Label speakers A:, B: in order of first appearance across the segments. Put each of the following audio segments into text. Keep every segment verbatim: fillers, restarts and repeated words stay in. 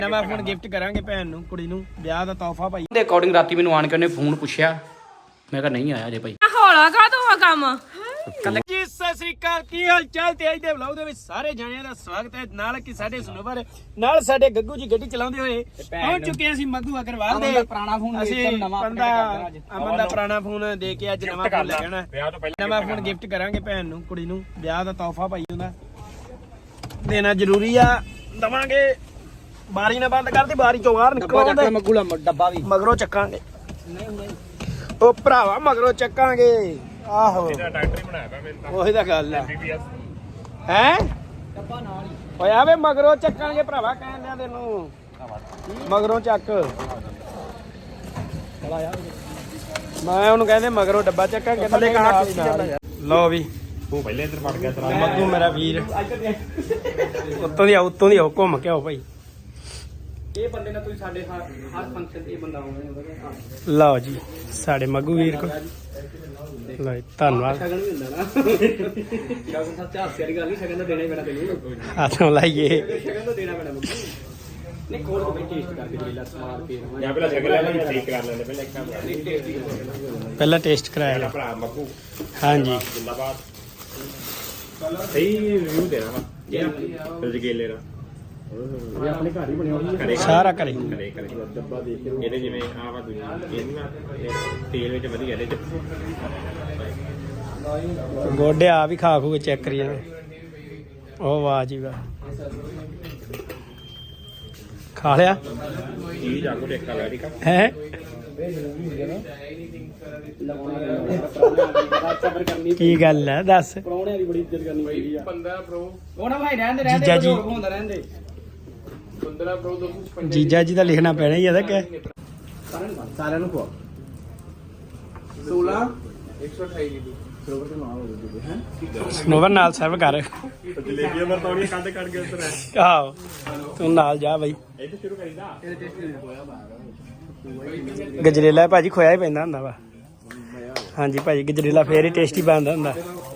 A: ਨਵਾਂ phone gift ਕਰਾਂਗੇ ਭੈਣ ਨੂੰ ਕੁੜੀ ਨੂੰ ਵਿਆਹ ਦਾ ਤੋਹਫਾ ਭਾਈ
B: ਦੇ ਅਕੋਰਡਿੰਗ ਰਾਤੀ ਮੈਨੂੰ ਆਣ ਕੇ ਉਹਨੇ ਫੋਨ ਪੁੱਛਿਆ ਮੈਂ ਕਿਹਾ ਨਹੀਂ ਆਇਆ ਜੇ ਭਾਈ
C: ਹੌਲਾ ਕਾ ਤੋਂ ਆ ਕੰਮ
A: ਜੀ ਸਤਿ ਸ੍ਰੀ ਅਕਾਲ ਕੀ ਹਾਲ ਚਾਲ ਤੇ ਅੱਜ ਦੇ ਵਲੌਗ ਦੇ ਵਿੱਚ ਸਾਰੇ ਜਣਿਆਂ ਦਾ ਸਵਾਗਤ ਹੈ ਨਾਲ ਕਿ ਸਾਡੇ ਸਨੋਵਰ ਨਾਲ ਸਾਡੇ ਗੱਗੂ ਜੀ ਗੱਡੀ ਚਲਾਉਂਦੇ ਹੋਏ ਪਹੁੰਚ ਚੁੱਕੇ ਅਸੀਂ ਮੱਗੂ ਅਗਰਵਾਲ ਦੇ
B: ਪੁਰਾਣਾ ਫੋਨ
A: ਅਸੀਂ ਬੰਦਾ ਅਮਨ ਦਾ ਪੁਰਾਣਾ ਫੋਨ ਦੇ ਕੇ ਅੱਜ ਨਵਾਂ ਫੋਨ ਲੈ ਜਾਣਾ ਨਵਾਂ ਫੋਨ ਗਿਫਟ ਕਰਾਂਗੇ ਭੈਣ ਨੂੰ ਕੁੜੀ ਨੂੰ ਵਿਆਹ ਦਾ ਤੋਹਫਾ ਭਾਈ ਉਹਦਾ ਦੇਣਾ ਜ਼ਰੂਰੀ ਆ ਦਵਾਂਗੇ ਬਾਰੀ ਨਾ ਬੰਦ ਕਰਦੀ ਬਾਰੀ ਚੋਂ ਬਾਹਰ ਨਿਕਲਉਂਦੇ
B: ਮੱਗੂ ਦਾ ਡੱਬਾ ਵੀ
A: ਮਗਰੋਂ ਚੱਕਾਂਗੇ ਉਹ ਭਰਾਵਾ ਮਗਰੋਂ ਚੱਕਾਂਗੇ ਆਹੋ
D: ਇਹਦਾ ਡਾਕਟਰ ਹੀ ਬਣਾਇਆ ਪਿਆ ਮੈਨੂੰ ਤਾਂ
A: ਉਹੀ ਤਾਂ ਗੱਲ ਆ
D: ਬੀਬੀਐਸ
A: ਹੈ ਓਏ ਆਵੇ ਮਗਰੋਂ ਚੱਕਾਂਗੇ ਭਰਾਵਾ ਕਹਿਣ ਲਿਆ ਤੈਨੂੰ ਮਗਰੋਂ ਚੱਕ ਮੈਂ ਉਹਨੂੰ ਕਹਿੰਦੇ ਮਗਰੋਂ ਡੱਬਾ ਚੱਕਾਂਗੇ ਥੱਲੇ ਕਾ ਲਓ ਵੀ
D: ਉਹ ਪਹਿਲੇ ਇੱਧਰ ਵੜ ਗਿਆ ਤਰਾ
A: ਮੱਗੂ ਮੇਰਾ ਵੀਰ ਉੱਤੋਂ ਦੀ ਆਓ ਉੱਤੋਂ ਦੀ ਆਓ ਘੁੰਮ ਕੇ ਆਓ ਭਾਈ
B: ਇਹ ਬੰਦੇ ਨਾਲ ਤੁਸੀਂ ਸਾਡੇ ਹਰ ਹਰ ਫੰਕਸ਼ਨ ਤੇ ਇਹ ਬੰਦਾ ਆਉਂਦਾ
A: ਲਓ ਜੀ ਸਾਡੇ ਮੱਗੂ ਵੀਰ ਕੋ ਲਓ ਜੀ, ਧੰਨਵਾਦ
B: ਸ਼ਗਨ ਵੀ ਹੁੰਦਾ ਨਾ ਸ਼ਗਨ ਸੱਚ ਹਾਸੇ ਵਾਲੀ ਗੱਲ ਨਹੀਂ ਸ਼ਗਨ ਤਾਂ ਦੇਣਾ ਹੀ ਪੈਣਾ ਤੈਨੂੰ
A: ਹੱਥੋਂ ਲਾਈਏ
B: ਸ਼ਗਨ ਤਾਂ ਦੇਣਾ ਪੈਣਾ ਮੱਗੂ ਨਹੀਂ ਖੋਲ ਕੇ ਟੇਸਟ ਕਰਕੇ ਦੇ ਲੈ ਸਮਾਰ ਕੇ
D: ਜਾਂ ਪਹਿਲਾਂ ਸ਼ਕਲ ਲੈ ਲੈ ਠੀਕ ਕਰ ਲੈਂਦੇ ਪਹਿਲਾਂ ਇੱਕ ਕੰਮ
A: ਪਹਿਲਾਂ ਟੇਸਟ ਕਰਾਇਆ
D: ਮੇਰਾ
A: ਲਓ।
D: ਭਰਾ ਮੱਕੂ
A: ਹਾਂਜੀ
D: ਜਿੰਦਾਬਾਦ ਸਹੀ ਰਿਵਿਊ ਦੇਣਾ ਵਾ ਇਹ ਰਜਗੇਲੇ ਦਾ
B: ਇਹ ਆਪਣੇ ਘਰ ਹੀ ਬਣਿਆ ਹੋਇਆ
D: ਕਰੇ
A: ਸਾਰਾ ਕਰੇ
D: ਕਰੇ ਕਰੇ ਡੱਬਾ ਦੇਖ ਕੇ ਇਹਦੇ ਜਿਵੇਂ ਆਹ ਵਾ ਦੂਜੀ ਇਹ ਨਾ ਤੇਲ ਵਿੱਚ ਵਧੀਆ ਇਹਦੇ ਚ
A: ਗੋਡੇ ਆ ਵੀ ਖਾ ਖੂ ਕੇ ਚੈੱਕ ਕਰੀ ਜਾਂਦੇ ਉਹ ਵਾਹ ਜੀ ਵਾਹ ਖਾ ਲਿਆ
D: ਚੀਜ਼ ਆਗੂ ਟੇਕਾ ਲੈ ਠੀਕ ਆ
A: ਹੈ
B: ਸਬਰ ਕਰਨੀ
A: ਕੀ ਗੱਲ ਹੈ ਦੱਸ
B: ਪਰੌਣਿਆਂ ਦੀ ਬੜੀ ਇੱਜ਼ਤ ਕਰਨੀ ਚਾਹੀਦੀ ਆ ਪੰਦਰਾਂ ਪ੍ਰੋ ਉਹ ਨਾ ਭਾਈ ਰਹਿੰਦੇ ਰਹਿੰਦੇ
A: ਜੀਜਾ ਜੀ।
B: ਹੁੰਦਾ ਰਹਿੰਦੇ ਪੰਦਰਾਂ ਪ੍ਰੋ ਦੋ ਸੌ ਛਪੰਜਾ
A: ਜੀਜਾ ਜੀ ਦਾ ਲਿਖਣਾ ਪੈਣਾ ਹੀ ਇਹਦਾ ਕਿ
B: ਸਾਰਿਆਂ ਨੂੰ ਖਵਾ ਸੋਲਾਂ ਇੱਕ ਸੌ ਅਠਾਈ ਜੀਬੀ ਸਰਵਰ ਤੇ ਮਾਰ ਹੋ ਜੂਗੇ ਹੈ
A: ਸਨੋਵਰ ਨਾਲ ਸਰਵ ਕਰ
D: ਜਲੇਬੀਆਂ ਮਰਤੌੜੀਆਂ ਕੱਢ ਕੱਢ ਕੇ ਉੱਤਰ ਹੈ
A: ਆਹੋ ਤੂੰ ਨਾਲ ਜਾ ਬਾਈ
D: ਇੱਥੇ ਸ਼ੁਰੂ ਕਰੀਦਾ
B: ਇਹਦੇ ਟੈਸਟ ਨਹੀਂ ਹੋਇਆ ਬਾਹਰ
A: ਗਜਰੇਲਾ ਭਾਜੀ ਖੋਇਆ ਹੀ ਪੈਂਦਾ ਹੁੰਦਾ ਵਾ ਹਾਂਜੀ ਭਾਜੀ ਗਜਰੇਲਾ ਫੇਰ ਹੀ ਟੇਸਟੀ ਬਣਦਾ ਹੁੰਦਾ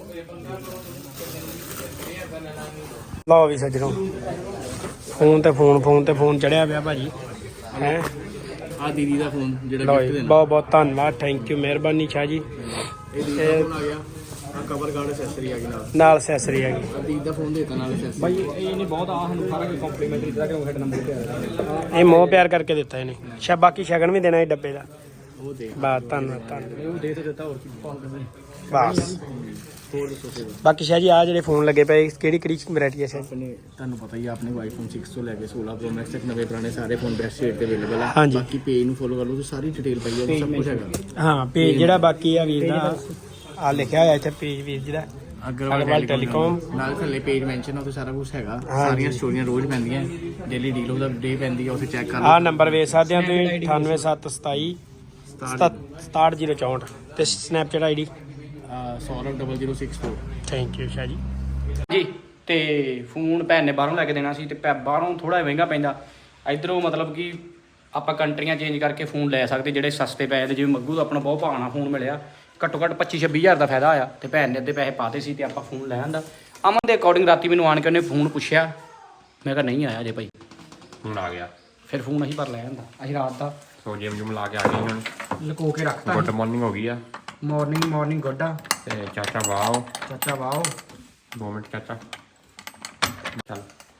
A: ਲਓ ਵੀ ਸੱਜਣੋ ਫੋਨ ਤੇ ਫੋਨ ਫੋਨ ਤੇ ਫੋਨ ਚੜਿਆ ਪਿਆ ਭਾਜੀ ਹੈ
B: ਆ ਦੀਦੀ ਦਾ ਫੋਨ ਜਿਹੜਾ
A: ਲਓ
B: ਗਿਫਟ
A: ਜੀ
B: ਦੇਣਾ
A: ਬਹੁਤ ਬਹੁਤ ਧੰਨਵਾਦ ਥੈਂਕ ਯੂ ਮਿਹਰਬਾਨੀ ਸ਼ਾਹ ਜੀ
B: ਇਹ ਦੀਦੀ ਦਾ ਫੋਨ ਆ ਗਿਆ ਆ ਕਵਰ ਗਾਰਡ ਐਕਸੈਸਰੀ ਆ ਗਈ ਨਾਲ
A: ਨਾਲ ਅਸੈਸਰੀ ਆ ਗਈ
B: ਆ ਦੀਦੀ ਦਾ ਫੋਨ ਦੇਤਾ ਨਾਲ ਐਕਸੈਸਰੀ ਬਾਈ ਇਹ ਨਹੀਂ ਬਹੁਤ ਆ ਸਾਨੂੰ ਸਾਰਾ ਕੋਈ ਕੰਪਲੀਮੈਂਟਰੀ ਦਿੱਤਾ ਕਿ ਹੈਡ ਨੰਬਰ ਤੇ ਆ
A: ਇਹ ਮੋਹ ਪਿਆਰ ਕਰਕੇ ਦਿੱਤਾ ਇਹਨੇ ਸ਼ਾ ਬਾਕੀ ਸ਼ਗਨ ਵੀ ਦੇਣਾ ਇਹ ਡੱਬੇ ਦਾ
B: ਉਹ ਦੇ
A: ਬਾਤ ਧੰਨਵਾਦ ਧੰਨਵਾਦ
B: ਉਹ ਦੇ ਤੇ ਦਿੱਤਾ ਹੋਰ ਕੀ ਪਾਉਂ ਕਰਦੇ
A: ਬਸ
B: ਹੋਰ ਦੱਸੋ ਸੇਵਾ
A: ਬਾਕੀ ਸ਼ਾਹ ਜੀ ਆ ਜਿਹੜੇ ਫੋਨ ਲੱਗੇ ਪਏ ਕਿਹੜੀ ਕਿਹੜੀ ਵੈਰਾਈਟੀ ਹੈ ਸ਼ਾਹ ਜੀ?
B: ਆਪਣੇ ਤੁਹਾਨੂੰ ਪਤਾ ਹੀ ਆ ਆਪਣੇ ਆਈਫੋਨ ਸਿਕਸ ਤੋਂ ਲੈ ਕੇ ਸੋਲਾਂ ਪ੍ਰੋ ਮੈਕਸ ਤੱਕ ਨਵੇਂ ਪੁਰਾਣੇ ਸਾਰੇ ਫੋਨ ਬੈਸਟ ਰੇਟ ਤੇ ਅਵੇਲੇਬਲ ਆ
A: ਹਾਂਜੀ।
B: ਬਾਕੀ ਪੇਜ ਨੂੰ ਫੋਲੋ ਕਰ ਲਓ ਤੇ ਸਾਰੀ ਡਿਟੇਲ ਪਈ ਆ ਸਭ ਕੁਝ ਹੈਗਾ
A: ਹਾਂ ਪੇਜ ਜਿਹੜਾ ਬਾਕੀ ਆ ਵੀਰ ਦਾ ਆ ਲਿਖਿਆ ਹੋਇਆ ਇੱਥੇ ਪੇਜ ਵੀਰ ਜੀ ਦਾ ਅਗਰਵਾਲ ਟੈਲੀਕਾਮ
B: ਨਾਲ ਥੱਲੇ ਪੇਜ ਮੈਂਸ਼ਨ ਆ ਉੱਥੇ ਸਾਰਾ ਕੁਝ ਹੈਗਾ
A: ਹਾਂਜੀ।
B: ਸਾਰੀਆਂ ਸਟੋਰੀਆਂ ਰੋਜ਼ ਪੈਂਦੀਆਂ ਡੇਲੀ ਡੀਲ ਉਹਦਾ ਡੇ ਪੈਂਦੀ ਆ ਉੱਥੇ ਚੈੱਕ ਕਰ
A: ਆ
B: ਲਓ
A: ਨੰਬਰ ਵੇਖ ਸਕਦੇ ਹੋ ਤੁਸੀਂ ਅਠਾਨਵੇਂ ਸੱਤ ਸਤਾਈ ਸਤਾਹਠ ਜ਼ੀਰੋ ਚੌਂਹਠ ਤੇ Snapchat ID
B: Saurav double zero six four
A: thank you Shah ji
B: ਜੀ ਤੇ ਫੋਨ ਭੈਣ ਨੇ ਬਾਹਰੋਂ ਲੈ ਕੇ ਦੇਣਾ ਸੀ ਤੇ ਪੈ- ਬਾਹਰੋਂ ਥੋੜਾ ਮਹਿੰਗਾ ਪੈਂਦਾ ਇਧਰੋਂ ਮਤਲਬ ਕਿ ਆਪਾਂ ਕੰਟਰੀਆਂ ਚੇਂਜ ਕਰਕੇ ਫੋਨ ਲੈ ਸਕਦੇ ਜਿਹੜੇ ਸਸਤੇ ਪੈਸੇ ਦੇ ਜਿਵੇਂ ਮੱਗੂ ਦਾ ਆਪਣਾ ਬਹੁਤ ਭਾਣਾ ਫੋਨ ਮਿਲਿਆ ਘੱਟੋ ਘੱਟ ਪੱਚੀ ਛੱਬੀ ਹਜ਼ਾਰ ਦਾ ਫਾਇਦਾ ਆਇਆ ਤੇ ਭੈਣ ਨੇ ਅੱਧੇ ਪੈਸੇ ਪਾਤੇ ਸੀ ਤੇ ਆਪਾਂ ਫੋਨ ਲੈ ਆਂਦਾ ਅਮਨ ਦੇ ਅਕੋਰਡਿੰਗ ਰਾਤੀ ਮੈਨੂੰ ਆਣ ਕੇ ਉਹਨੇ ਫੋਨ ਪੁੱਛਿਆ ਮੈਂ ਕਿਹਾ ਨਹੀਂ ਆਇਆ ਜੇ ਭਾਈ
D: ਹੁਣ ਆ ਗਿਆ
B: ਫਿਰ ਫੋਨ ਅਸੀਂ ਭਰ ਲੈ ਆਂਦਾ ਅਸੀਂ ਰਾਤ ਦਾ
D: ਸੋ ਜਿਮ ਜੁਮ ਲਾ ਕੇ ਆ ਗਏ ਹੁਣ
B: ਲੁਕੋ ਕੇ ਰੱਖਤਾ
D: ਗੁੱਡ ਮਾਰਨਿੰਗ ਹੋ ਗਈ ਆ
B: ਮਾਰਨਿੰਗ ਮਾਰਨਿੰਗ ਗੋਡਾ
D: ਤੇ ਚਾਚਾ ਵਾਓ
B: ਚਾਚਾ ਵਾਓ
D: ਦੋ ਮਿੰਟ ਚਾਚਾ ਚੱਲ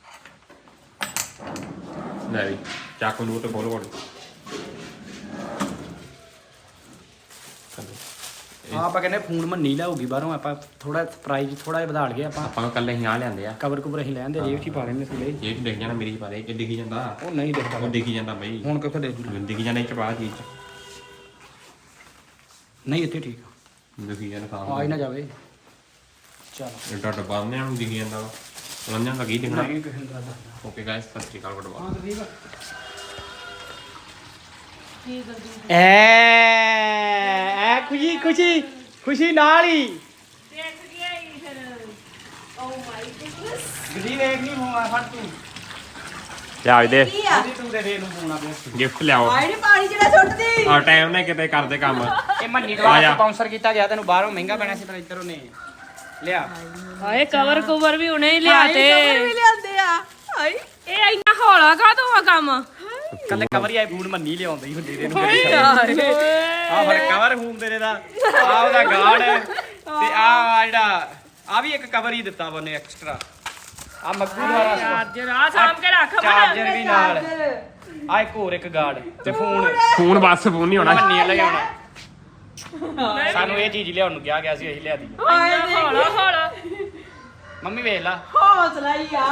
D: ਲੈ ਵੀ ਚਾਕੂ ਨੂੰ ਤੇ ਬੋਲ ਬੋਲ
B: ਹਾਂ ਆਪਾਂ ਕਹਿੰਦੇ ਫੋਨ ਮੰਨੀ ਲਿਆਉਗੀ ਬਾਹਰੋਂ ਆਪਾਂ ਥੋੜਾ ਪ੍ਰਾਈਸ ਥੋੜਾ ਜਿਹਾ ਵਧਾ ਲਈਏ ਆਪਾਂ
D: ਆਪਾਂ ਕੱਲੇ ਹੀ ਆ ਲਿਆਂਦੇ ਆ
B: ਕਵਰ ਕੁਵਰ ਅਸੀਂ ਲੈਂਦੇ ਜੇਬ 'ਚ ਹੀ ਪਾ ਲੈਂਦੇ ਥੱਲੇ
D: ਇਹ ਚ ਦਿਖ ਜਾਣਾ ਮੇਰੀ ਚ ਪਾ ਦੇ ਇਹ ਦਿਖੀ ਜਾਂਦਾ
B: ਉਹ ਨਹੀਂ ਦਿਖਦਾ
D: ਉਹ ਦਿਖੀ ਜਾਂਦਾ ਬਈ
B: ਹੁਣ ਕਿੱਥੇ ਦੇਖ ਜੂ
D: ਦਿਖੀ ਜਾਂਦਾ ਇਹ ਚ ਪਾ ਚੀਜ਼
B: ਨਹੀਂ ਇੱਥੇ ਠੀਕ
D: ਦਿਖੀ ਜਾਂਦਾ
B: ਆ
D: ਖਾਣ
B: ਹੀ ਨਾ ਜਾਵੇ ਚਲ
D: ਐਡਾ ਡੱਬਾ ਨੇ ਹੁਣ ਦਿਖੀ ਜਾਂਦਾ ਵਾ ਲੰਨਾਂ ਦਾ ਕੀ ਦਿਖਣਾ
B: ਨਹੀਂ ਕਿਸੇ ਨੂੰ ਦੱਸਦਾ
D: ਓਕੇ ਗਾਇਸ ਸਤਿ ਸ਼੍ਰੀ ਅਕਾਲ ਗੁੱਡ
B: ਹਾਂ ਠੀਕ ਆ
A: ਐ ਐ ਖੁਸ਼ੀ ਖੁਸ਼ੀ ਖੁਸ਼ੀ ਨਾਲ ਹੀ
C: ਦੇਖ ਗਿਆ ਹੀ ਫਿਰ ਓ ਮਾਈ ਗੁੱਡਨੈਸ
B: ਗਰੀ ਵੇਖ ਨਹੀਂ ਹੋਣਾ ਫੜ ਤੂੰ
D: ਲਿਆ ਦੇ
C: ਕੀ ਆ
B: ਉਹਦੀ ਤੂੰ ਦੇ ਦੇ ਨੂੰ ਫੋਨ ਆ ਗਿਆ
D: ਗਿਫਟ ਲਿਆਓ
C: ਆਈ ਨੀ ਪਾਣੀ ਜਿਹੜਾ ਸੁੱਟਦੀ
D: ਆ ਟਾਈਮ ਨੇ ਕਿਤੇ ਕਰਦੇ ਕੰਮ
B: ਇਹ ਮੰਨੀ
D: ਆ
B: ਤੋਂ
D: ਜਾ।
B: ਸਪਾਂਸਰ ਕੀਤਾ ਗਿਆ ਤੈਨੂੰ ਬਾਹਰੋਂ ਮਹਿੰਗਾ ਪੈਣਾ ਸੀ ਪਰ ਇੱਧਰ ਉਹਨੇ ਲਿਆ
C: ਹਾਏ ਕਵਰ ਕਵਰ ਵੀ ਉਹਨੇ ਹੀ ਲਿਆਤੇ
E: ਵੀ ਲਿਆਂਦੇ ਆ ਹਾਈ
C: ਇਹ ਇੰਨਾ ਹੌਲਾ ਕਾ ਆ ਕੰਮ
B: ਕੱਲੇ ਕਵਰ ਹੀ ਆਈ ਫੋਨ ਮੰਨੀ ਲਿਆਉਂਦੀ ਹੁੰਦੀ ਦੇ ਨੂੰ
C: ਯਾਰ
B: ਆ ਫਿਰ ਕਵਰ ਫੋਨ ਤੇਰੇ ਦਾ ਆ ਉਹਦਾ ਗਾਰਡ ਤੇ ਆ ਜਿਹੜਾ ਆ ਵੀ ਇੱਕ ਕਵਰ ਹੀ ਦਿੱਤਾ ਉਹਨੇ ਐਕਸਟਰਾ ਆ ਮੱਗੂ ਦਾ
C: ਚਾਰਜਰ ਆ ਸਾਂਭ ਕੇ ਰੱਖ
B: ਚਾਰਜਰ ਵੀ ਨਾਲ ਆ ਇੱਕ ਹੋਰ ਇੱਕ ਗਾਰਡ ਤੇ ਫੋਨ
D: ਫੋਨ ਬਸ ਫੋਨ ਨਹੀਂ ਹੋਣਾ
B: ਮੰਨੀ ਲਿਆਉਣਾ ਸਾਨੂੰ ਇਹ ਚੀਜ਼ ਲਿਆਉਣ ਨੂੰ ਕਿਹਾ ਗਿਆ ਸੀ ਅਸੀਂ ਲਿਆਦੀ
C: ਹੌਲਾ ਹੌਲਾ
B: ਮੰਮੀ ਵੇਖ ਲਾ
E: ਹੌਸਲਾ ਹੀ ਆ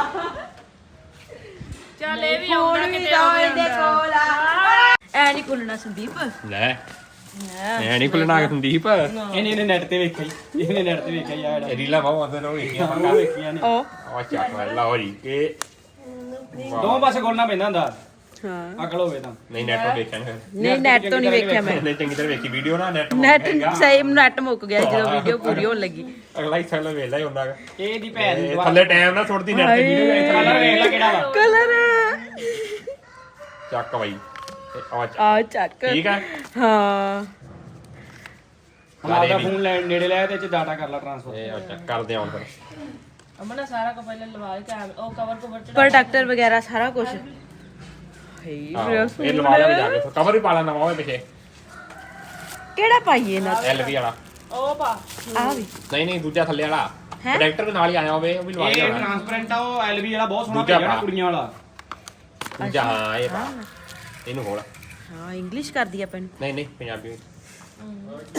C: ਚੱਲ ਇਹ ਵੀ ਆਉਂਦਾ ਕਿਤੇ ਆਉਂਦਾ
E: ਕੋਲ ਆ ਐ ਨਹੀਂ ਕੁੱਲਣਾ ਸੰਦੀਪ
D: ਲੈ ਐ ਨਹੀਂ ਭੁੱਲਣਾ ਕਿ ਸੰਦੀਪ
B: ਇਹਨੇ ਇਹਨੇ ਨੈਟ ਤੇ ਵੇਖਿਆ ਹੀ ਇਹਨੇ ਨੈਟ ਤੇ ਵੇਖਿਆ ਯਾਰ
D: ਰੀਲਾ ਬਾਹੂ ਆਂਦੇ ਰੋ ਵੇਖੀਆਂ
B: ਉਹ ਵੇਖੀਆਂ ਨੇ
E: ਉਹ
D: ਆ ਚੱਕ ਲਓ ਜੀ ਇਹ
B: ਦੋ ਪਾਸੇ ਖੋਲਣਾ ਪੈਂਦਾ ਹੁੰਦਾ
E: ਹਾਂ
B: ਅਕਲ ਹੋਵੇ ਤਾਂ
D: ਨਹੀਂ ਨੈਟ ਤੋਂ ਵੇਖਿਆ ਨਹੀਂ
E: ਨਹੀਂ ਨੈਟ ਤੋਂ ਨਹੀਂ ਵੇਖਿਆ ਮੈਂ
D: ਨਹੀਂ ਚੰਗੀ ਤਰ੍ਹਾਂ ਵੇਖੀ ਵੀਡੀਓ ਨਾ ਨੈਟ
E: ਨੈਟ ਸਹੀ ਨੈਟ ਮੁੱਕ ਗਿਆ ਜਦੋਂ ਵੀਡੀਓ ਪੂਰੀ ਹੋਣ ਲੱਗੀ
D: ਅਗਲਾ ਹਿੱਸਾ ਲੈ ਵੇਲਾ ਹੀ ਹੁੰਦਾ ਗਾ।
B: ਇਹ ਦੀ ਭੈਣ
D: ਇਹ
B: ਦੀ
D: ਥੱਲੇ ਟਾਈਮ ਨਾ ਛੋੜਦੀ ਨੈਟ ਤੇ ਵੀਡੀਓ
B: ਕਲਰ ਵੇਖ ਲੈ ਕਿਹੜਾ ਵਾ
E: ਕਲਰ
D: ਚੱਕ ਬਾਈ ਆ ਚੱਕ
E: ਆ ਚੱਕ
D: ਠੀਕ ਆ
E: ਹਾਂ
B: ਹੁਣ ਆਪਦਾ ਫੋਨ ਲੈ ਨੇੜੇ ਲੈ ਤੇ ਚ ਡਾਟਾ ਕਰ ਲਾ ਟ੍ਰਾਂਸਫਰ
D: ਇਹ ਆ ਚੱਕ ਕਰਦੇ ਆਉਣ ਫਿਰ
C: ਅਮਨਾ ਸਾਰਾ ਕੋ ਪਹਿਲਾਂ ਲਵਾ ਕੇ ਉਹ ਕਵਰ ਕਵਰ ਚ
E: ਪ੍ਰੋਡਕਟਰ ਵਗੈਰਾ ਸਾਰਾ ਕੁਝ
D: ਆਹੋ, ਇਹ ਲਵਾ ਲਿਆ ਜਾ ਕੇ ਕਵਰ ਵੀ ਪਾ ਲੈਣਾ ਵਾ ਉਹਦੇ ਪਿੱਛੇ
E: ਕਿਹੜਾ ਪਾਈਏ ਨਾ
D: ਐਲ ਵੀ ਵਾਲਾ
C: ਉਹ ਪਾ
E: ਆ ਵੀ
D: ਨਹੀਂ ਨਹੀਂ ਦੂਜਾ ਥੱਲੇ ਵਾਲਾ
E: ਹੈਂ?
D: ਪ੍ਰੋਡਕਟਰ ਨਾਲ ਹੀ ਆਇਆ ਹੋਵੇ ਉਹ ਵੀ ਲਵਾ
B: ਇਹ
D: ਲਿਆ
B: ਟ੍ਰਾਂਸਪੇਰੈਂਟ ਆ ਉਹ ਐਲਵੀ ਵਾਲਾ ਬਹੁਤ ਸੋਹਣਾ
D: ਦੂਜਾ
B: ਭੇਜਿਆ ਨਾ
D: ਪਾ।
B: ਕੁੜੀਆਂ ਵਾਲਾ
D: ਦੂਜਾ ਹਾਂ ਇਹ ਪਾ ਇਹਨੂੰ ਖੋਲ
E: ਹਾਂ ਇੰਗਲਿਸ਼ ਕਰਦੀ ਆਪਾਂ ਨੂੰ
D: ਨਹੀਂ ਨਹੀਂ ਪੰਜਾਬੀ ਵਿੱਚ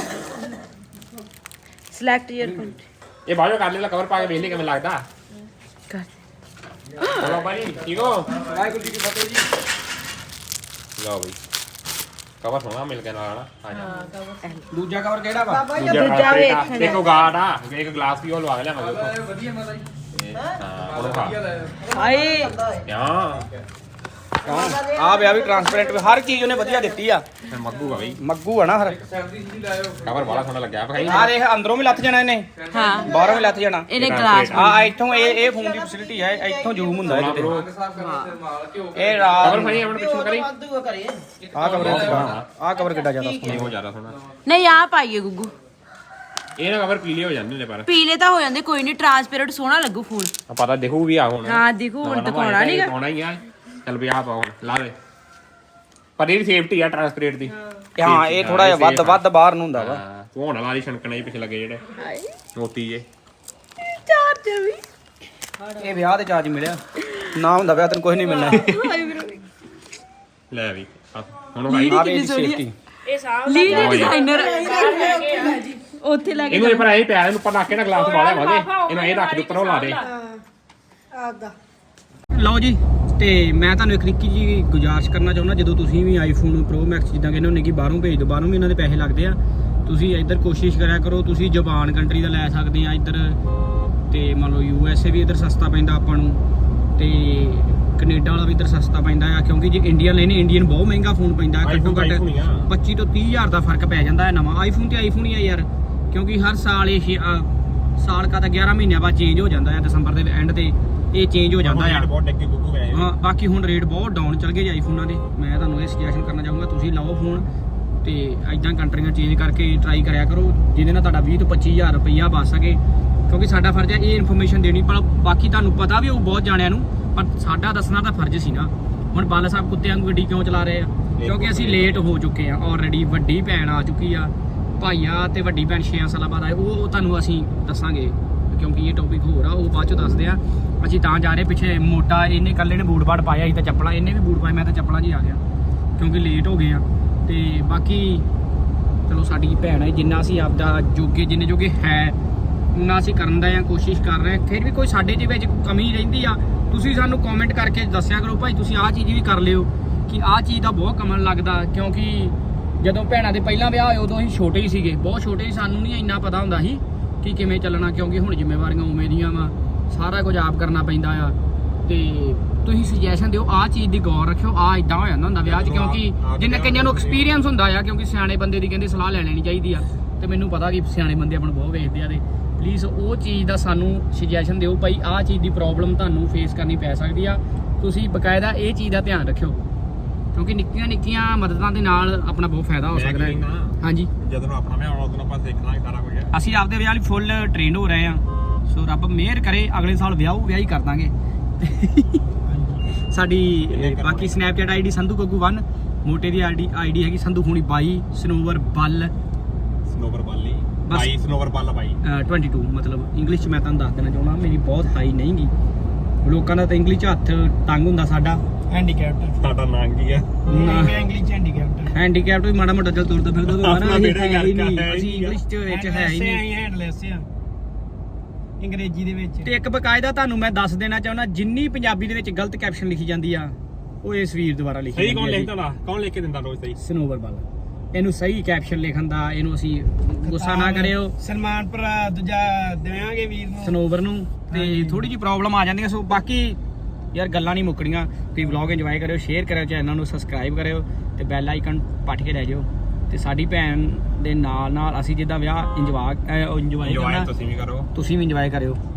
E: ਸਿਲੈਕਟ ਯਰ ਕੰਟਰੀ
D: ਇਹ ਬਾਜੋ ਕਰ ਲੈ ਕਵਰ ਪਾ ਕੇ ਵੇਖ ਲਈ ਕਿਵੇਂ ਲੱਗਦਾ
E: ਕਰ
D: ਚਲੋ ਬਾਈ ਠੀਕ ਹੋ
B: ਵਾਹਿਗੁਰੂ ਜੀ ਕੀ ਫਤਿਹ ਜੀ
D: ਲਓ ਬਈ ਕਵਰ ਸੋਹਣਾ ਮਿਲ ਗਿਆ ਨਾਲ ਆ ਜਾ
B: ਦੂਜਾ ਕਵਰ ਕਿਹੜਾ ਵਾ
E: ਦੂਜਾ ਵੇਖਣਾ।
D: ਦੇਖੋ ਗਾਰਡ ਆ ਇੱਕ ਗਲਾਸ ਵੀ ਉਹ ਲਵਾ ਲਿਆ ਮਗਰ ਤੋਂ
B: ਵਧੀਆ ਮਾਤਾ ਜੀ
D: ਹਾਂ ਉਹਨੂੰ ਖਾ
E: ਹਾਏ
D: ਹਾਂ
B: ਆ ਵਿਆ ਵੀ ਟ੍ਰਾਂਸਪੇਰੈਂਟ ਹਰ ਚੀਜ਼ ਉਹਨੇ ਵਧੀਆ ਦਿੱਤੀ ਆ
D: ਫਿਰ ਮੱਗੂ ਆ ਬਈ
B: ਮੱਗੂ ਆ ਨਾ ਹਰ
D: ਕਵਰ ਬੜਾ ਸੋਹਣਾ ਲੱਗਿਆ ਭਾਈ
B: ਆ ਦੇਖ ਅੰਦਰੋਂ ਵੀ ਲੱਥ ਜਾਣਾ ਇਹਨੇ
E: ਹਾਂ
B: ਬਾਹਰੋਂ ਵੀ ਲੱਥ ਜਾਣਾ
E: ਇਹਨੇ ਗਲਾਸ
B: ਆ ਇੱਥੋਂ ਇਹ ਇਹ ਫੋਨ ਦੀ ਫੈਸਿਲਿਟੀ ਹੈ ਇੱਥੋਂ ਜ਼ੂਮ ਹੁੰਦਾ ਇਹਦੇ
D: ਬ్రో
B: ਤੇ ਇਹ ਰਾਤ
D: ਕਵਰ ਭਾਈ ਆਪਣੇ ਪਿੱਛੇ ਕਰੀ
B: ਆ ਕਵਰ ਆ ਕਵਰ ਕਿੱਡਾ ਜ਼ਿਆਦਾ
D: ਨਹੀਂ ਉਹ ਜ਼ਿਆਦਾ ਸੋਹਣਾ
E: ਨਹੀਂ ਆ ਪਾਈਏ ਗੁੱਗੂ
D: ਇਹ ਨਾ ਕਵਰ ਪੀਲੇ ਹੋ ਜਾਂਦੇ ਨੇ ਪਰ
E: ਪੀਲੇ ਤਾਂ ਹੋ ਜਾਂਦੇ ਕੋਈ ਨਹੀਂ ਟ੍ਰਾਂਸਪੇਰੈਂਟ ਸੋਹਣਾ ਲੱਗੂ ਫੋਨ
D: ਆ ਪਤਾ ਦੇਖੂ ਵੀ ਆ ਹੁਣ
E: ਹਾਂ ਦਿਖੂ ਹੁਣ ਦਿਖਾਉਣਾ ਨਹੀਂਗਾ
D: ਪਾਉਣਾ ਹੀ ਆ ਚੱਲ ਵੀ ਆ ਪਾਓ ਹੁਣ ਲਾ ਦੇ ਪਰ ਇਹ ਸੇਫਟੀ ਆ ਟ੍ਰਾਂਸਪੇਰੈਂਟ ਦੀ
B: ਹਾਂ ਇਹ ਥੋੜਾ ਜਿਹਾ ਵੱਧ ਵੱਧ ਬਾਹਰ ਨੂੰ ਹੁੰਦਾ ਵਾ
D: ਹਾਂ ਤੂੰ ਹੁਣ ਵਾਲੀ ਛਣਕਣੇ ਪਿੱਛੇ ਲੱਗੇ ਜਿਹੜੇ
E: ਹਾਏ
D: ਮੋਤੀ ਜੇ
E: ਚਾਰਜਰ ਵੀ
B: ਇਹ ਵਿਆਹ ਤੇ ਚਾਰਜ ਮਿਲਿਆ ਨਾ ਹੁੰਦਾ ਵਿਆਹ ਤੈਨੂੰ ਕੁਝ ਨਹੀਂ ਮਿਲਣਾ
E: ਹਾਏ ਵੀਰੋ
D: ਲੈ ਵੀ ਆ, ਹੁਣ ਭਾਈ
B: ਆ ਵੀ ਇਹਦੀ ਸੇਫਟੀ
C: ਇਹ ਸਾਂਭ
E: ਲੀਡ ਡਿਜ਼ਾਈਨਰ ਉੱਥੇ ਲੱਗ
D: ਇਹਨੂੰ ਇਹ ਪਰ ਐ ਪਿਆ ਇਹਨੂੰ ਉੱਪਰ ਰੱਖ ਕੇ ਨਾ ਗਲਾਸ ਪਾ ਲਿਆ ਵਾਦੇ ਇਹਨੂੰ ਇਹ ਰੱਖ ਦੇ ਉੱਪਰ ਉਹ ਲਾ ਦੇ
B: ਲਓ ਜੀ ਤੇ ਮੈਂ ਤੁਹਾਨੂੰ ਇੱਕ ਨਿੱਕੀ ਜੀ ਗੁਜ਼ਾਰਿਸ਼ ਕਰਨਾ ਚਾਹੁੰਦਾ ਜਦੋਂ ਤੁਸੀਂ ਵੀ ਆਈਫੋਨ ਪ੍ਰੋ ਮੈਕਸ ਜਿੱਦਾਂ ਕਹਿੰਦੇ ਹੁੰਦੇ ਕਿ ਬਾਹਰੋਂ ਭੇਜ ਦਿਓ ਬਾਹਰੋਂ ਵੀ ਇਹਨਾਂ ਦੇ ਪੈਸੇ ਲੱਗਦੇ ਆ ਤੁਸੀਂ ਇੱਧਰ ਕੋਸ਼ਿਸ਼ ਕਰਿਆ ਕਰੋ ਤੁਸੀਂ ਜਾਪਾਨ ਕੰਟਰੀ ਦਾ ਲੈ ਸਕਦੇ ਆ ਇੱਧਰ ਤੇ ਮੰਨ ਲਓ ਯੂ ਐਸ ਏ ਵੀ ਇੱਧਰ ਸਸਤਾ ਪੈਂਦਾ ਆਪਾਂ ਨੂੰ ਤੇ ਕੈਨੇਡਾ ਵਾਲਾ ਵੀ ਇੱਧਰ ਸਸਤਾ ਪੈਂਦਾ ਆ ਕਿਉਂਕਿ ਜੇ ਇੰਡੀਅਨ ਲੈਣੇ ਇੰਡੀਅਨ ਬਹੁਤ ਮਹਿੰਗਾ ਫੋਨ ਪੈਂਦਾ ਘੱਟੋ ਘੱਟ ਪੱਚੀ ਤੋਂ ਤੀਹ ਹਜ਼ਾਰ ਦਾ ਫਰਕ ਪੈ ਜਾਂਦਾ ਹੈ ਨਵਾਂ ਆਈਫੋਨ ਤੇ ਆਈਫੋਨ ਹੀ ਆ ਯਾਰ ਕਿਉਂਕਿ ਹਰ ਸਾਲ ਇਹ ਛੇ- ਅ, ਸਾਲ ਕਾ ਤਾਂ ਗਿਆਰਾਂ ਮਹੀਨਿਆਂ ਬਾਅਦ ਚੇਂਜ ਹੋ ਜਾਂਦਾ ਹੈ ਦਸੰਬਰ ਦੇ ਐਂਡ ਤੇ ਇਹ ਚੇਂਜ ਹੋ ਜਾਂਦਾ ਆ
D: ਬਹੁਤ ਡੱਕੇ ਗੁੱਗੂ ਗਏ
B: ਹਾਂ ਬਾਕੀ ਹੁਣ ਰੇਟ ਬਹੁਤ ਡਾਊਨ ਚੱਲ ਗਏ ਜੀ ਆਈਫੋਨਾਂ ਦੇ ਮੈਂ ਤੁਹਾਨੂੰ ਇਹ ਸੁਜੈਸ਼ਨ ਕਰਨਾ ਚਾਹੂੰਗਾ ਤੁਸੀਂ ਲਓ ਫੋਨ ਤੇ ਐਦਾਂ ਕੰਟਰੀਆਂ ਚੇਂਜ ਕਰਕੇ ਟਰਾਈ ਕਰਿਆ ਕਰੋ ਜਿਹਦੇ ਨਾਲ ਤੁਹਾਡਾ ਵੀਹ ਤੋਂ ਪੱਚੀ ਹਜ਼ਾਰ ਰੁਪਈਆ ਬਚ ਸਕੇ ਕਿਉਂਕਿ ਸਾਡਾ ਫਰਜ਼ ਹੈ ਇਹ ਇਨਫੋਰਮੇਸ਼ਨ ਦੇਣੀ ਪਰ ਬਾਕੀ ਤੁਹਾਨੂੰ ਪਤਾ ਵੀ ਉਹ ਬਹੁਤ ਜਾਣਿਆਂ ਨੂੰ ਪਰ ਸਾਡਾ ਦੱਸਣਾ ਤਾਂ ਫਰਜ਼ ਸੀ ਨਾ ਹੁਣ ਬਾਲਾ ਸਾਹਿਬ ਕੁੱਤਿਆਂ ਨੂੰ ਗੱਡੀ ਕਿਉਂ ਚਲਾ ਰਹੇ ਆ ਕਿਉਂਕਿ ਅਸੀਂ ਲੇਟ ਹੋ ਚੁੱਕੇ ਆ ਆਲਰੇਡੀ ਵੱਡੀ ਭੈਣ ਆ ਚੁੱਕੀ ਆ ਭਾਈਆ ਤੇ ਵੱਡੀ ਭੈਣ ਛੇ ਸਾਲਾਂ ਬਾਅਦ ਆਏ ਉਹ ਤੁਹਾਨੂੰ ਅਸੀਂ ਦੱਸਾਂਗੇ ਕਿਉਂਕਿ ਇਹ ਟੌਪਿਕ ਹੋਰ ਆ ਉਹ ਬਾਅਦ ਚ ਦੱਸਦੇ ਆ ਅਸੀਂ ਤਾਂ ਜਾ ਰਹੇ ਪਿੱਛੇ ਮੋਟਾ ਇਹਨੇ ਇਕੱਲੇ ਨੇ ਬੂਟ ਬਾਟ ਪਾਇਆ ਸੀ ਤਾਂ ਚੱਪਲਾਂ ਇਹਨੇ ਵੀ ਬੂਟ ਪਾਏ ਮੈਂ ਤਾਂ ਚੱਪਲਾਂ 'ਚ ਹੀ ਆ ਗਿਆ ਕਿਉਂਕਿ ਲੇਟ ਹੋ ਗਏ ਆ ਤੇ ਬਾਕੀ ਚਲੋ ਸਾਡੀ ਭੈਣ ਹੈ ਜਿੰਨਾ ਅਸੀਂ ਆਪਦਾ ਜੋਗੇ ਜਿੰਨੇ ਜੋਗੇ ਹੈ ਉਹਨਾਂ ਅਸੀਂ ਕਰਨ ਦਾ ਆ ਕੋਸ਼ਿਸ਼ ਕਰ ਰਹੇ ਹਾਂ ਫਿਰ ਵੀ ਕੋਈ ਸਾਡੇ ਦੇ ਵਿੱਚ ਕਮੀ ਰਹਿੰਦੀ ਆ ਤੁਸੀਂ ਸਾਨੂੰ ਕਮੈਂਟ ਕਰਕੇ ਦੱਸਿਆ ਕਰੋ ਭਾਈ ਤੁਸੀਂ ਆਹ ਚੀਜ਼ ਵੀ ਕਰ ਲਿਓ ਕਿ ਆਹ ਚੀਜ਼ ਦਾ ਬਹੁਤ ਕਮਨ ਲੱਗਦਾ ਕਿਉਂਕਿ ਜਦੋਂ ਭੈਣਾਂ ਦੇ ਪਹਿਲਾਂ ਵਿਆਹ ਹੋਏ ਉਦੋਂ ਅਸੀਂ ਛੋਟੇ ਹੀ ਸੀਗੇ ਬਹੁਤ ਛੋਟੇ ਸੀ ਸਾਨੂੰ ਨਹੀਂ ਇੰਨਾ ਪਤਾ ਹੁੰਦਾ ਸੀ ਕਿ ਕਿਵੇਂ ਚੱਲਣਾ ਕਿਉਂਕਿ ਹੁਣ ਜ਼ਿੰਮੇਵਾਰੀਆਂ ਉਵੇਂ ਦੀਆਂ ਵਾ ਸਾਰਾ ਕੁਝ ਆਪ ਕਰਨਾ ਪੈਂਦਾ ਆ ਤੇ ਤੁਸੀਂ ਸੁਜੈਸ਼ਨ ਦਿਓ ਆਹ ਚੀਜ਼ ਦੀ ਗੌਰ ਰੱਖਿਓ ਆਹ ਇਦਾਂ ਹੋ ਜਾਂਦਾ ਹੁੰਦਾ ਵਿਆਹ 'ਚ ਕਿਉਂਕਿ ਜਿੰਨੇ ਕਈਆਂ ਨੂੰ ਐਕਸਪੀਰੀਅੰਸ ਹੁੰਦਾ ਆ ਕਿਉਂਕਿ ਸਿਆਣੇ ਬੰਦੇ ਦੀ ਕਹਿੰਦੇ ਸਲਾਹ ਲੈ ਲੈਣੀ ਚਾਹੀਦੀ ਆ ਤੇ ਮੈਨੂੰ ਪਤਾ ਕਿ ਸਿਆਣੇ ਬੰਦੇ ਆਪਾਂ ਨੂੰ ਬਹੁਤ ਵੇਖਦੇ ਆ ਤੇ ਪਲੀਜ਼ ਉਹ ਚੀਜ਼ ਦਾ ਸਾਨੂੰ ਸੁਜੈਸ਼ਨ ਦਿਓ ਭਾਈ ਆਹ ਚੀਜ਼ ਦੀ ਪ੍ਰੋਬਲਮ ਤੁਹਾਨੂੰ ਫੇਸ ਕਰਨੀ ਪੈ ਸਕਦੀ ਆ ਤੁਸੀਂ ਬਕਾਇਦਾ ਇਹ ਚੀਜ਼ ਦਾ ਧਿਆਨ ਰੱਖਿਓ ਕਿਉਂਕਿ ਨਿੱਕੀਆਂ ਨਿੱਕੀਆਂ ਮਦਦਾਂ ਦੇ ਨਾਲ ਆਪਣਾ ਬਹੁਤ ਫਾਇਦਾ ਹੋ ਸਕਦਾ ਹੈ ਹਾਂਜੀ
D: ਜਦੋਂ ਆਪਣਾ ਵਿਆਹ ਆਉਣਾ ਉਦੋਂ ਆਪਾਂ ਦੇਖਣਾ ਸਾਰਾ ਕੁਝ
B: ਅਸੀਂ ਆਪਦੇ ਵਿਆਹ ਲਈ ਫੁੱਲ ਟ੍ਰੇਨ ਹੋ ਰਹੇ ਆ ਸੋ ਰੱਬ ਮਿਹਰ ਕਰੇ ਅਗਲੇ ਸਾਲ ਵਿਆਹ ਵਿਆਹ ਹੀ ਕਰ ਦਾਂਗੇ ਸਾਡੀ ਅਹ, ਬਾਕੀ ਸਨੈਪਚੈਟ ਆਈਡੀ ਸੰਧੂ ਗੱਗੂ ਇੱਕ, ਮੋਟੇ ਦੀ ਆਈਡੀ ਆਈਡੀ ਹੈਗੀ ਸੰਧੂ ਖੂਣੀ ਬਾਈ, ਸਨੋਵਰ ਬੱਲ
D: ਸਨੋਵਰ ਬਾਲੀ
B: ਬਸ।
D: ਬਾਈ ਸਨੋਵਰ ਬਾਲਾ ਬਾਈ
B: ਅਹ, ਬਾਈ ਮਤਲਬ ਇੰਗਲਿਸ਼ 'ਚ ਮੈਂ ਤੁਹਾਨੂੰ ਦੱਸ ਦੇਣਾ ਚਾਹੁੰਦਾ ਮੇਰੀ ਬਹੁਤ ਹਾਈ ਨਹੀਂ ਗੀ, ਲੋਕਾਂ ਦਾ ਤਾਂ ਇੰਗਲਿਸ਼ 'ਚ ਹੱਥ ਤੰਗ ਹੁੰਦਾ, ਸਾਡਾ
A: ਹੈਂਡੀਕੈਪਟ
D: ਸਾਡਾ ਨਾਂ ਕੀ ਆ
A: ਮੈਂ ਇੰਗਲਿਸ਼ ਹੈਂਡੀਕੈਪਟ
B: ਹੈਂਡੀਕੈਪਟ ਵੀ ਮਾੜਾ ਮੋਟਾ ਚੱਲ ਤੁਰਦਾ ਫਿਰਦਾ ਤਾਂ
D: ਆਪਣਾ
B: ਮਾਰਾ
D: ਬੇੜਾ
B: ਹੈ ਹੀ
D: ਗਰਕ
B: ਨਹੀਂ,
D: ਹੈ ਹੀ
B: ਅਸੀਂ
D: ਨਹੀਂ।
B: ਇੰਗਲਿਸ਼ 'ਚ ਵਿੱਚ ਹੈ ਹੀ ਨਹੀਂ।
A: ਹੈਂਡਲੈਸ ਆ ਅੰਗਰੇਜ਼ੀ ਦੇ ਵਿੱਚ।
B: ਤੇ ਇੱਕ ਬਕਾਇਦਾ ਤੁਹਾਨੂੰ ਮੈਂ ਦੱਸ ਦੇਣਾ ਚਾਹੁੰਦਾ, ਜਿੰਨੀ ਪੰਜਾਬੀ ਦੇ ਵਿੱਚ ਗਲਤ ਕੈਪਸ਼ਨ ਲਿਖੀ ਜਾਂਦੀ ਆ ਉਹ ਇਸ ਵੀਰ ਦੁਆਰਾ ਲਿਖੀ
D: ਸਹੀ
B: ਜਾਂਦੀ
D: ਕੌਣ
B: ਆ ਜੀ।
D: ਲਿਖਦਾ ਨਾ ਕੌਣ ਲਿਖ ਕੇ ਦਿੰਦਾ ਰੋਜ਼ ਸਹੀ
B: ਸਨੋਵਰ ਵਾਲਾ ਇਹਨੂੰ ਸਹੀ ਕੈਪਸ਼ਨ ਲਿਖਣ ਦਾ, ਇਹਨੂੰ ਅਸੀਂ ਗੁੱਸਾ ਨਾ ਕਰਿਓ
A: ਸਲਮਾਨ ਭਰਾ ਦੂਜਾ ਦੇਵਾਂਗੇ ਵੀਰ ਨੂੰ
B: ਸਨੋਵਰ ਨੂੰ। ਤੇ ਥੋੜੀ ਜਿਹੀ ਪ੍ਰੋਬਲਮ ਆ ਜਾਂਦੀਆਂ, ਸੋ ਬਾਕੀ ਯਾਰ ਗੱਲਾਂ ਨਹੀਂ ਮੁੱਕਣੀਆਂ। ਤੁਸੀਂ ਵਲੌਗ ਇੰਜੋਏ ਕਰਿਓ, ਸ਼ੇਅਰ ਕਰਿਓ, ਚੈਨਲ ਨੂੰ ਸਬਸਕ੍ਰਾਈਬ ਕਰਿਓ ਤੇ ਬੈਲ ਆਈਕਨ ਪੱਟ ਕੇ ਲੈ ਜਾਓ। ਤੇ ਸਾਡੀ ਭੈਣ ਦੇ ਨਾਲ ਨਾਲ ਅਸੀਂ ਜਿੱਦਾਂ ਵਿਆਹ ਇੰਜੋਏ ਇੰਜੋਏ
D: ਇੰਜੋਏ
B: ਕਰਨਾ,
D: ਤੁਸੀਂ ਵੀ ਕਰੋ।
B: ਤੁਸੀਂ ਵੀ ਇੰਜੋਏ ਕਰਿਓ।